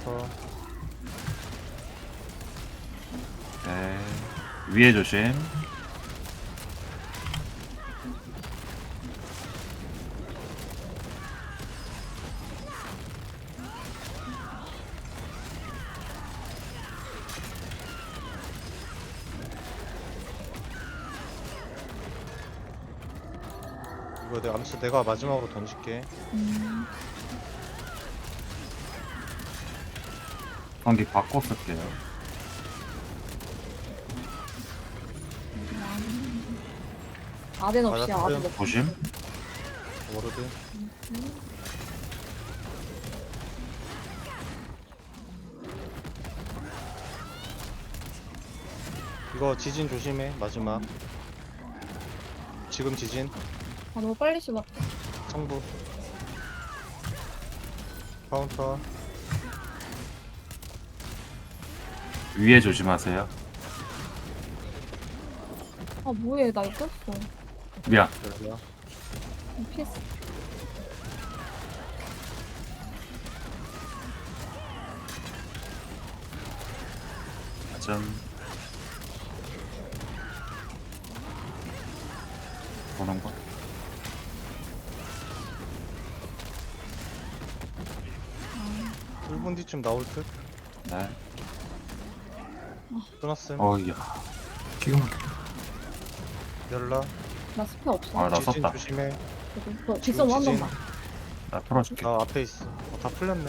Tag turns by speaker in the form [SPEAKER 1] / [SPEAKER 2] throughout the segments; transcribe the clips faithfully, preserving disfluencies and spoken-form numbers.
[SPEAKER 1] 카운터.
[SPEAKER 2] 네. 위에 조심.
[SPEAKER 1] 이거 내가 암수 내가 마지막으로 던질게.
[SPEAKER 3] 음,
[SPEAKER 2] 경기 바꿔 쓸게요.
[SPEAKER 3] 아덴 없이
[SPEAKER 1] 맞았어요.
[SPEAKER 3] 아덴 없이.
[SPEAKER 2] 조심.
[SPEAKER 1] 워로드. 이거 지진 조심해. 마지막. 지금 지진.
[SPEAKER 3] 아 너무 빨리 씹었다.
[SPEAKER 1] 성부. 카운터.
[SPEAKER 2] 위에 조심하세요.
[SPEAKER 3] 아 뭐해 나 이겼어.
[SPEAKER 2] 미안.
[SPEAKER 1] 열려.
[SPEAKER 3] 피했어.
[SPEAKER 2] 좀 보는 거.
[SPEAKER 1] 일 분 뒤쯤 나올 듯.
[SPEAKER 2] 네.
[SPEAKER 1] 끊었음.
[SPEAKER 2] 어이야. 기가 막혀.
[SPEAKER 1] 열라.
[SPEAKER 3] 나 스페 없어.
[SPEAKER 2] 아, 나
[SPEAKER 1] 지진
[SPEAKER 2] 썼다.
[SPEAKER 1] 조심해.
[SPEAKER 3] 너 뒷선 한
[SPEAKER 1] 지진.
[SPEAKER 3] 번만.
[SPEAKER 2] 나 풀어줄게.
[SPEAKER 1] 나 앞에 있어. 어, 다 풀렸네.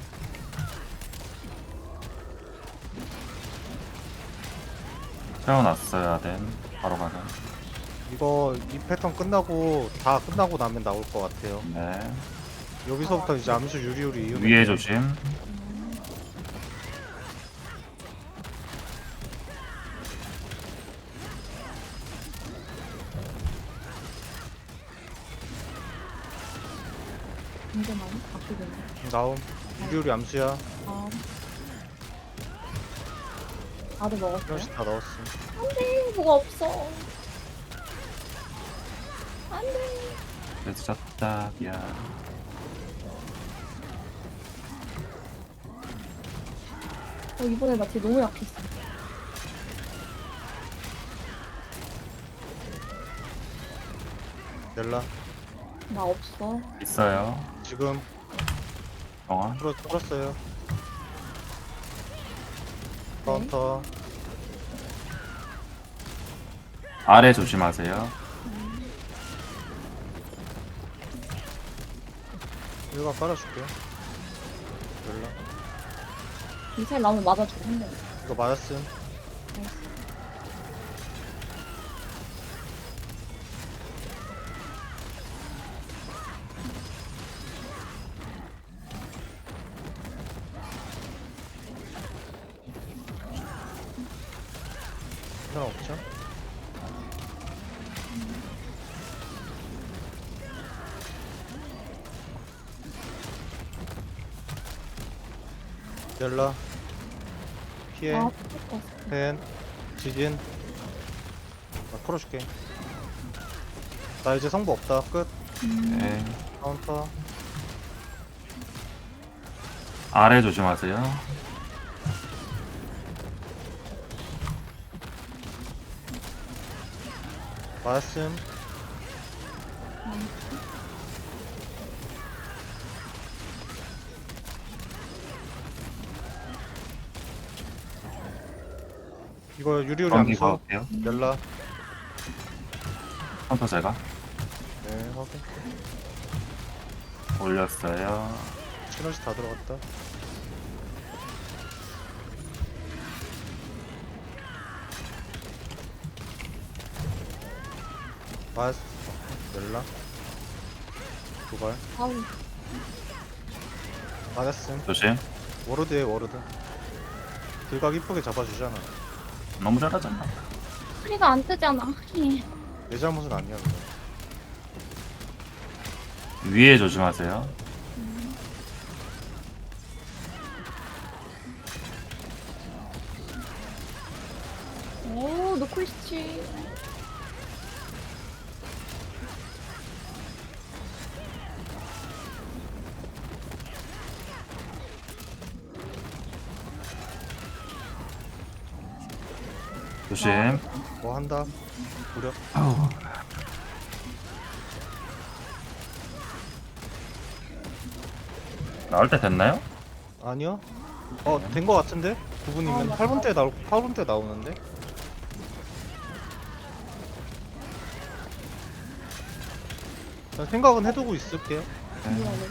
[SPEAKER 2] 채워놨어야 된. 바로 가자.
[SPEAKER 1] 이거 이 패턴 끝나고 다 끝나고 나면 나올 것 같아요.
[SPEAKER 2] 네.
[SPEAKER 1] 여기서부터 이제 암수 유리유리 이으면
[SPEAKER 2] 위에
[SPEAKER 1] 돼요.
[SPEAKER 2] 조심.
[SPEAKER 3] 이제 많이 바뀌겠네.
[SPEAKER 1] 나옴. 유리유리 암수야.
[SPEAKER 3] 아. 아덴 먹었어요?
[SPEAKER 1] 하나씩 다 넣었음.
[SPEAKER 3] 안돼 뭐가 없어. 안돼.
[SPEAKER 2] 늦었다. 미안.
[SPEAKER 3] 어 이번에 나 뒤에 너무 약했어.
[SPEAKER 1] 열라.
[SPEAKER 3] 나 없어.
[SPEAKER 2] 있어요.
[SPEAKER 1] 지금
[SPEAKER 2] 정원.
[SPEAKER 1] 풀어 풀었어요. 카운터.
[SPEAKER 2] 아래 조심하세요.
[SPEAKER 1] 일가 깔아줄게. 열라.
[SPEAKER 3] 미사일 나오면 맞아주고 한대.
[SPEAKER 1] 이거 맞았음. 하나 없죠? 열라. 피해.
[SPEAKER 3] 아 죽었어.
[SPEAKER 1] 펜. 지진. 나 풀어줄게. 나 이제 성부 없다. 끝.
[SPEAKER 2] 네.
[SPEAKER 1] 카운터.
[SPEAKER 2] 아래 조심하세요.
[SPEAKER 1] 맞았음. 이거 유리유리
[SPEAKER 2] 경기
[SPEAKER 1] 암수.
[SPEAKER 2] 가볼게요.
[SPEAKER 1] 열라.
[SPEAKER 2] 카운터 제가
[SPEAKER 1] 네, 확인.
[SPEAKER 2] 올렸어요.
[SPEAKER 1] 시너지 다 들어갔다. 맞. 열라. 도발.
[SPEAKER 3] 아우
[SPEAKER 1] 맞았음.
[SPEAKER 2] 조심.
[SPEAKER 1] 워로드에 워로드. 들각 이쁘게 잡아주잖아.
[SPEAKER 2] 너무 잘하잖아.
[SPEAKER 3] 소리가 안 뜨잖아.
[SPEAKER 1] 내 잘못은 아니야. 그거.
[SPEAKER 2] 위에 조심하세요.
[SPEAKER 3] 오 노크리스치.
[SPEAKER 2] 조심.
[SPEAKER 1] 뭐 한다. 무려.
[SPEAKER 2] 아우. 나올 때 됐나요?
[SPEAKER 1] 아니요. 어, 된 거 같은데? 구 분이면
[SPEAKER 3] 아, 맞다.
[SPEAKER 1] 팔 분 때 나올 팔 분 때 나오는데. 그냥 생각은 해두고 있을게요.
[SPEAKER 3] 미안해.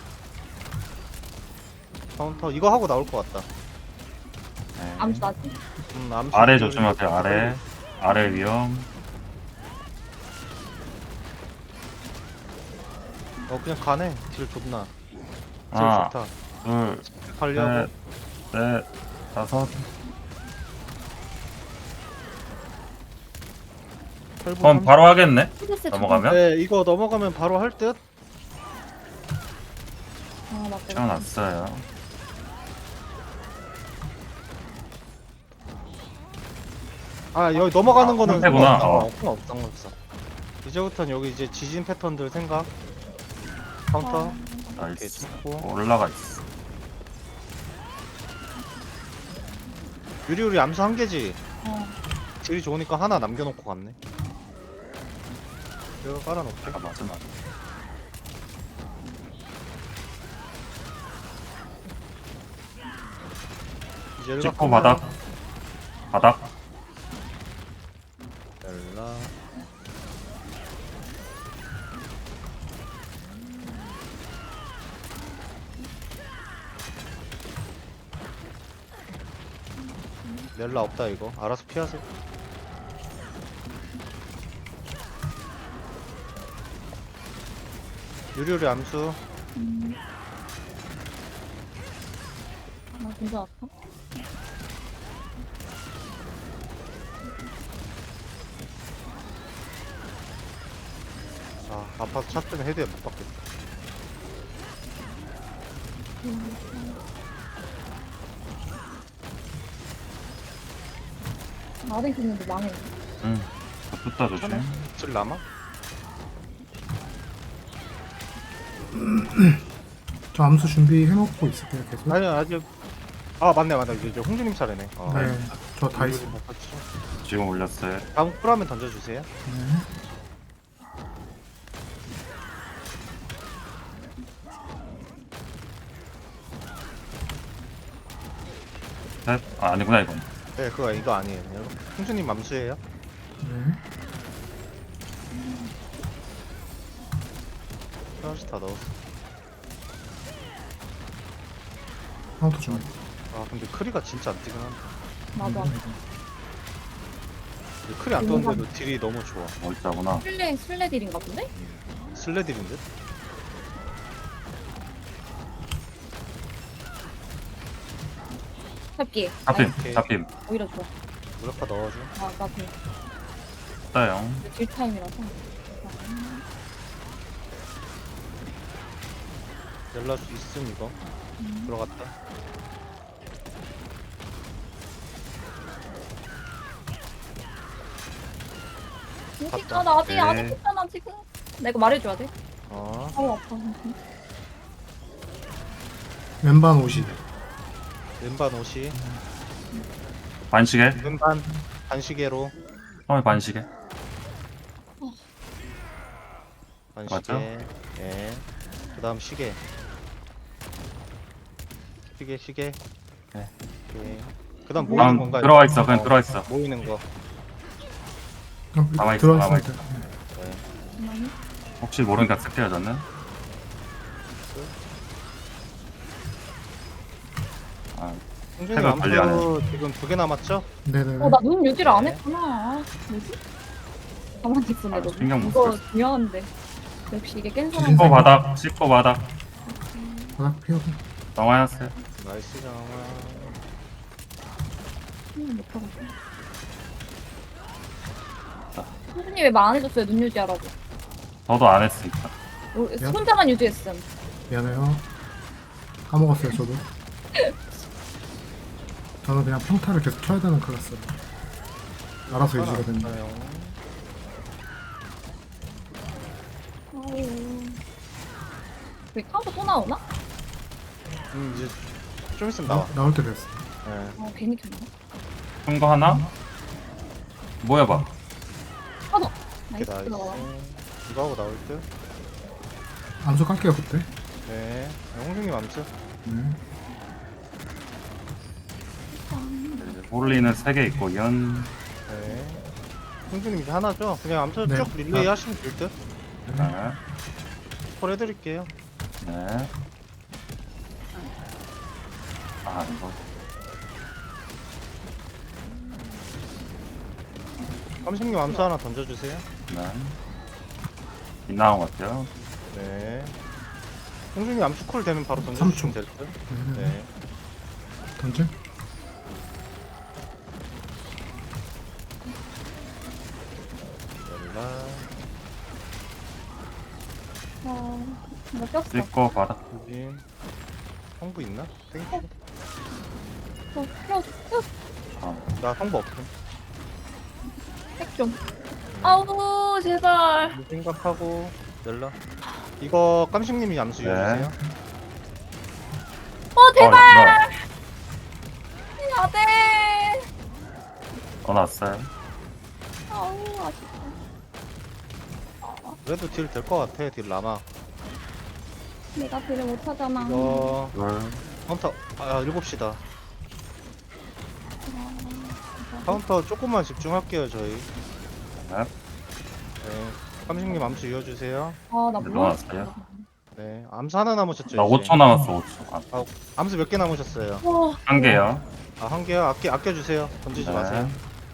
[SPEAKER 1] 카운터 이거 하고 나올 것 같다.
[SPEAKER 2] 네.
[SPEAKER 3] 암수 나지?
[SPEAKER 1] 음, 암수
[SPEAKER 2] 아래
[SPEAKER 1] 좀-
[SPEAKER 2] 조심하세요. 아래. 아래 위험.
[SPEAKER 1] 어, 그냥 가네. 딜 좋나. 딜
[SPEAKER 2] 하나,
[SPEAKER 1] 좋다.
[SPEAKER 2] 둘,
[SPEAKER 1] 관리하고.
[SPEAKER 2] 셋, 넷, 다섯.
[SPEAKER 1] 팔 분
[SPEAKER 2] 그럼
[SPEAKER 1] 삼십.
[SPEAKER 2] 바로 하겠네.
[SPEAKER 3] 스트레스
[SPEAKER 2] 넘어가면?
[SPEAKER 1] 네, 이거 넘어가면 바로 할 듯.
[SPEAKER 3] 아 맞다.
[SPEAKER 2] 채워놨어요.
[SPEAKER 1] 아, 여기 넘어가는
[SPEAKER 2] 아,
[SPEAKER 1] 거는
[SPEAKER 2] 상태구나.
[SPEAKER 1] 상관없어.
[SPEAKER 2] 어.
[SPEAKER 1] 어, 상관없어. 상관없어. 이제부터는 여기 이제 지진 패턴들 생각. 카운터. 오케이,
[SPEAKER 2] 나이스.
[SPEAKER 1] 찍고.
[SPEAKER 2] 올라가 있어.
[SPEAKER 1] 유리유리 암수 한 개지.
[SPEAKER 3] 어.
[SPEAKER 1] 딜이 좋으니까 하나 남겨놓고 갔네. 이거 깔아놓게.
[SPEAKER 2] 아, 맞아, 맞아.
[SPEAKER 1] 이제 일각
[SPEAKER 2] 찍고
[SPEAKER 1] 끝나요.
[SPEAKER 2] 바닥. 바닥.
[SPEAKER 1] 열라. 넬라 없다 이거. 알아서 피하세요. 유리유리 암수.
[SPEAKER 3] 음. 나 진짜 아파?
[SPEAKER 1] 아, 아파서 차 때문에 헤드에 못 받겠다.
[SPEAKER 3] 아래 있는데 망해.
[SPEAKER 2] 응. 저 뜯다 조심.
[SPEAKER 1] 질 남아?
[SPEAKER 4] 저 암수 준비해놓고 있을게요 계속.
[SPEAKER 1] 아니 아직. 아 맞네 맞네 이제 홍주님 차례네. 어.
[SPEAKER 4] 네, 저 다 있어요.
[SPEAKER 2] 지금 올렸어요.
[SPEAKER 1] 다음 쿨하면 던져주세요.
[SPEAKER 4] 네.
[SPEAKER 2] 셋. 아, 아니구나, 이건.
[SPEAKER 1] 네 그거 이거 아니에요. 홍주님 맘수예요.
[SPEAKER 4] 네.
[SPEAKER 1] 하나씩 다 넣었어.
[SPEAKER 4] 카운터 좀.
[SPEAKER 1] 아 근데 크리가 진짜 안 뛰긴 한다.
[SPEAKER 3] 나도 아파.
[SPEAKER 1] 근데 크리 안 떴는데도 딜이 너무 좋아.
[SPEAKER 2] 멀자구나.
[SPEAKER 3] 슬레 슬레딜인가 본데?
[SPEAKER 1] 슬레딜인 듯?
[SPEAKER 3] 잡기.
[SPEAKER 2] 잡힘,
[SPEAKER 1] 오케이.
[SPEAKER 2] 잡힘.
[SPEAKER 3] 오히려 좋아.
[SPEAKER 1] 무력화 넣어줘.
[SPEAKER 3] 아 나도
[SPEAKER 2] 따요.
[SPEAKER 3] 딜 타임이라서.
[SPEAKER 1] 연락 수 있음 이거.
[SPEAKER 3] 음.
[SPEAKER 1] 들어갔다. 갔다.
[SPEAKER 3] 아, 나 아직 안
[SPEAKER 2] 네.
[SPEAKER 3] 했잖아 지금. 내가 말해줘야 돼.
[SPEAKER 1] 어.
[SPEAKER 3] 아우 아파.
[SPEAKER 4] 왼반 오십.
[SPEAKER 1] 왼반 옷이.
[SPEAKER 2] 반시계.
[SPEAKER 1] 왼반 반시계로.
[SPEAKER 2] 처음에 반시계.
[SPEAKER 1] 반시계.
[SPEAKER 2] 맞죠?
[SPEAKER 1] 예. 그 다음 시계. 시계 시계.
[SPEAKER 2] 네.
[SPEAKER 1] 오케이. 그 다음 모이는
[SPEAKER 2] 다음
[SPEAKER 1] 건가요?
[SPEAKER 2] 들어와 있어. 그냥 들어와 있어.
[SPEAKER 1] 모이는 거.
[SPEAKER 2] 가만히 있어,
[SPEAKER 4] 들어있습니다.
[SPEAKER 1] 네.
[SPEAKER 3] 잠깐만요.
[SPEAKER 2] 혹시 모르니까 쓸게요, 저는. 아,
[SPEAKER 1] 홍준이
[SPEAKER 2] 색을 관리 안
[SPEAKER 1] 암수 지금 두 개 남았죠?
[SPEAKER 4] 네네네.
[SPEAKER 3] 어, 나 눈 유지를 안 했구나. 아, 뭐지? 가만히 있었네,
[SPEAKER 2] 아,
[SPEAKER 3] 너.
[SPEAKER 2] 신경 못
[SPEAKER 3] 이거
[SPEAKER 2] 썼어.
[SPEAKER 3] 중요한데. 역시 이게 깬 사람.
[SPEAKER 2] 씻고 바닥, 씻고 바닥.
[SPEAKER 4] 바닥 피하고.
[SPEAKER 2] 넘어왔어요.
[SPEAKER 1] 나이스 장아.
[SPEAKER 3] 음, 못하겠어. 선생님 왜 말 안 해줬어요? 눈 유지하라고.
[SPEAKER 2] 저도 안 했으니까.
[SPEAKER 3] 어, 혼자만 유지했음.
[SPEAKER 4] 미안해요. 까먹었어요 저도. 저는 그냥 평타를 계속 쳐야 되는 클래스로. 알아서 유지가 됩니다.
[SPEAKER 3] 아유. 왜 카운터 또 나오나?
[SPEAKER 1] 음 이제 좀 있으면 나와.
[SPEAKER 4] 나, 나올 때 됐어.
[SPEAKER 1] 네.
[SPEAKER 3] 어, 괜히 켰나?
[SPEAKER 2] 큰 거 하나? 모여봐.
[SPEAKER 3] 하나.
[SPEAKER 1] 이렇게
[SPEAKER 3] 나이스.
[SPEAKER 1] 나이스. 이거 하고 나올 듯.
[SPEAKER 4] 암수 깎게요 그때.
[SPEAKER 1] 네. 홍중님 암수.
[SPEAKER 4] 네.
[SPEAKER 2] 볼리는 세 개 있고 연.
[SPEAKER 1] 네. 홍중님 이제 하나죠? 그냥 암수
[SPEAKER 4] 네.
[SPEAKER 1] 쭉 릴레이
[SPEAKER 4] 아.
[SPEAKER 1] 하시면 될 듯.
[SPEAKER 2] 네.
[SPEAKER 1] 콜 해드릴게요.
[SPEAKER 2] 네. 아 이거
[SPEAKER 1] 깜식님 암수 하나 던져주세요.
[SPEAKER 2] 네. 빗 나온 것 같아요.
[SPEAKER 1] 네. 홍중님 암수 콜 되면 바로
[SPEAKER 4] 삼
[SPEAKER 1] 던져주시면
[SPEAKER 4] 초.
[SPEAKER 1] 될 듯.
[SPEAKER 4] 네.
[SPEAKER 1] 네.
[SPEAKER 4] 던져.
[SPEAKER 1] 연락.
[SPEAKER 3] 어, 나 꼈어.
[SPEAKER 2] 찍고 바닥.
[SPEAKER 1] 유진. 성부 있나? 땡큐.
[SPEAKER 3] 어, 껴, 껴.
[SPEAKER 2] 아,
[SPEAKER 1] 나 성부 없음.
[SPEAKER 3] 핵 좀. 아우, 제발.
[SPEAKER 1] 이 생각하고 연락. 이거 깜식님이 암수
[SPEAKER 2] 네.
[SPEAKER 1] 이어주세요.
[SPEAKER 3] 어,
[SPEAKER 2] 어,
[SPEAKER 3] 제발.
[SPEAKER 2] 나
[SPEAKER 3] 안 돼.
[SPEAKER 2] 떠났어요.
[SPEAKER 3] 아우, 아쉽다.
[SPEAKER 1] 그래도 딜 될 것 같아. 딜 남아.
[SPEAKER 3] 내가 딜을 못하잖아.
[SPEAKER 1] 이거
[SPEAKER 2] 둘.
[SPEAKER 1] 카운터 아 일곱 시다. 카운터 조금만 집중할게요 저희.
[SPEAKER 2] 네.
[SPEAKER 1] 네. 깜식님 암수 이어주세요.
[SPEAKER 3] 아, 나
[SPEAKER 2] 네,
[SPEAKER 3] 몰랐어.
[SPEAKER 2] 넣어놨어요.
[SPEAKER 1] 네. 암수 하나 남으셨죠?
[SPEAKER 2] 나
[SPEAKER 1] 이제?
[SPEAKER 2] 오 초 남았어. 오 초.
[SPEAKER 1] 암수 몇 개 남으셨어요?
[SPEAKER 3] 와,
[SPEAKER 2] 한 개요.
[SPEAKER 1] 아 한 개요? 아껴 아껴주세요. 던지지
[SPEAKER 2] 네.
[SPEAKER 1] 마세요.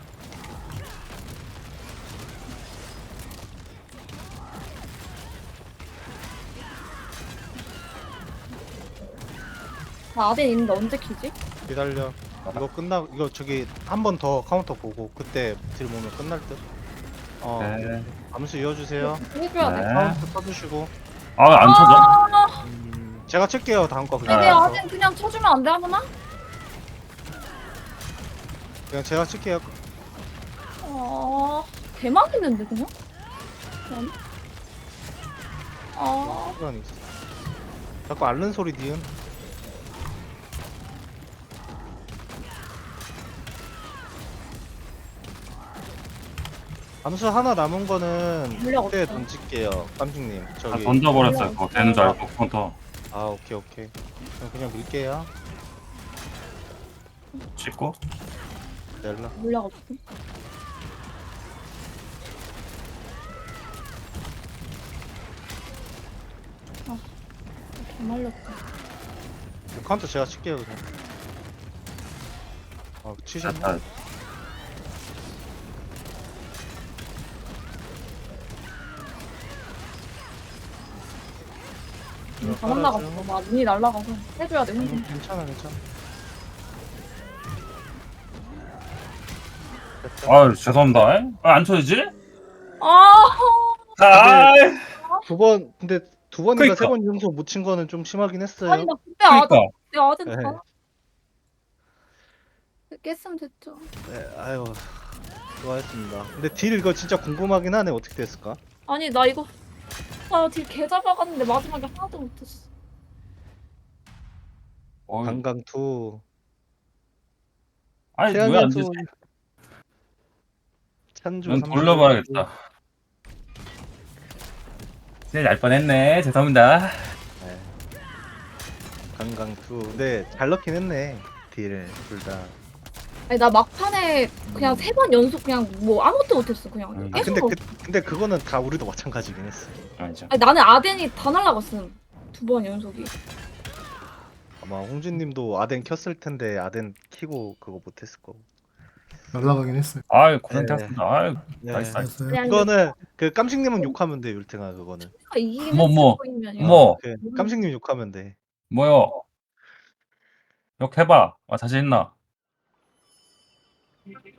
[SPEAKER 3] 나 아덴 있는데 언제 키지?
[SPEAKER 1] 기다려. 이거 끝나 이거 저기 한 번 더 카운터 보고 그때 딜 모으면 끝날 듯. 어
[SPEAKER 2] 네.
[SPEAKER 1] 암수 이어주세요.
[SPEAKER 3] 해줘야 돼.
[SPEAKER 2] 네.
[SPEAKER 1] 카운터 써주시고.
[SPEAKER 2] 아, 안 쳐져?
[SPEAKER 3] 아,
[SPEAKER 1] 음, 제가 칠게요 다음 거 그냥.
[SPEAKER 3] 근데
[SPEAKER 2] 네.
[SPEAKER 3] 아덴 그냥 쳐주면 안 돼, 하구나?
[SPEAKER 1] 그냥 제가 칠게요.
[SPEAKER 3] 어, 개망했는데, 그냥? 그냥? 아,
[SPEAKER 1] 시간 있어. 자꾸 앓는 소리 니은. 암수 하나 남은 거는
[SPEAKER 3] 물량
[SPEAKER 1] 그때
[SPEAKER 3] 없어.
[SPEAKER 1] 던질게요. 깜식님
[SPEAKER 2] 다
[SPEAKER 1] 저기.
[SPEAKER 2] 던져버렸어요. 그거 되는 줄 알고 카운터
[SPEAKER 1] 아 오케이 오케이. 그럼 그냥 밀게요.
[SPEAKER 2] 찍고.
[SPEAKER 1] 넬라.
[SPEAKER 3] 물량 없어. 아, 개말렸다.
[SPEAKER 1] 카운터 제가 칠게요 그냥. 아 치셨네.
[SPEAKER 2] 됐다.
[SPEAKER 3] 눈이 다 날라갔어. 막 눈이 날라가서 해줘야 돼,
[SPEAKER 1] 음,
[SPEAKER 3] 혼자.
[SPEAKER 1] 괜찮아 괜찮아. 됐다.
[SPEAKER 2] 아유, 죄송합니다. 에? 아, 안 쳐지지?
[SPEAKER 3] 아,
[SPEAKER 2] 아,
[SPEAKER 1] 두 번 근데 두 번인가
[SPEAKER 2] 그러니까.
[SPEAKER 1] 세 번 연속 못 친 거는 좀 심하긴 했어요.
[SPEAKER 3] 아니, 나 그때 아덴,
[SPEAKER 2] 그러니까.
[SPEAKER 3] 그때 아덴
[SPEAKER 1] 네.
[SPEAKER 3] 다. 깼으면 됐죠.
[SPEAKER 1] 네, 아유 수고하셨습니다. 근데 딜 이거 진짜 궁금하긴 하네 어떻게 됐을까?
[SPEAKER 3] 아니, 나 이거, 아, 딜개 잡아갔는데 마지막에 하나도 못했어.
[SPEAKER 2] 어이,
[SPEAKER 1] 강강 투.
[SPEAKER 2] 아니,
[SPEAKER 1] 태양의
[SPEAKER 2] 왜안
[SPEAKER 1] 투.
[SPEAKER 2] 되지?
[SPEAKER 1] 찬주
[SPEAKER 2] 넌
[SPEAKER 1] 삼십
[SPEAKER 2] 돌려봐야겠다. 진짜 날 뻔했네. 죄송합니다.
[SPEAKER 1] 네. 강강 투. 네, 잘 넣긴 했네. 딜을 둘 다.
[SPEAKER 3] 아니, 나 막판에 그냥 세 번 연속 그냥 뭐 아무것도 못했어. 그냥
[SPEAKER 2] 음.
[SPEAKER 1] 아
[SPEAKER 3] 계속.
[SPEAKER 1] 근데 그 근데 그거는 다 우리도 마찬가지긴 했어.
[SPEAKER 2] 아니죠.
[SPEAKER 3] 아니, 나는 아덴이 다 날라갔음. 두 번 연속이.
[SPEAKER 1] 아마 홍준님도 아덴 켰을 텐데 아덴 키고 그거 못했을 거고.
[SPEAKER 4] 날라가긴 했어요.
[SPEAKER 2] 아유, 고생하셨습니다. 아유,
[SPEAKER 1] 네.
[SPEAKER 2] 나이스. 나이스.
[SPEAKER 4] 알았어요.
[SPEAKER 1] 이거는 그 깜식님은 욕하면 돼 율탱아 그거는.
[SPEAKER 3] 이기긴
[SPEAKER 2] 뭐,
[SPEAKER 3] 했을
[SPEAKER 2] 뭐,
[SPEAKER 3] 거이면
[SPEAKER 2] 뭐,
[SPEAKER 1] 그 깜식님 욕하면 돼.
[SPEAKER 2] 뭐요? 욕해봐. 아, 자신 있나?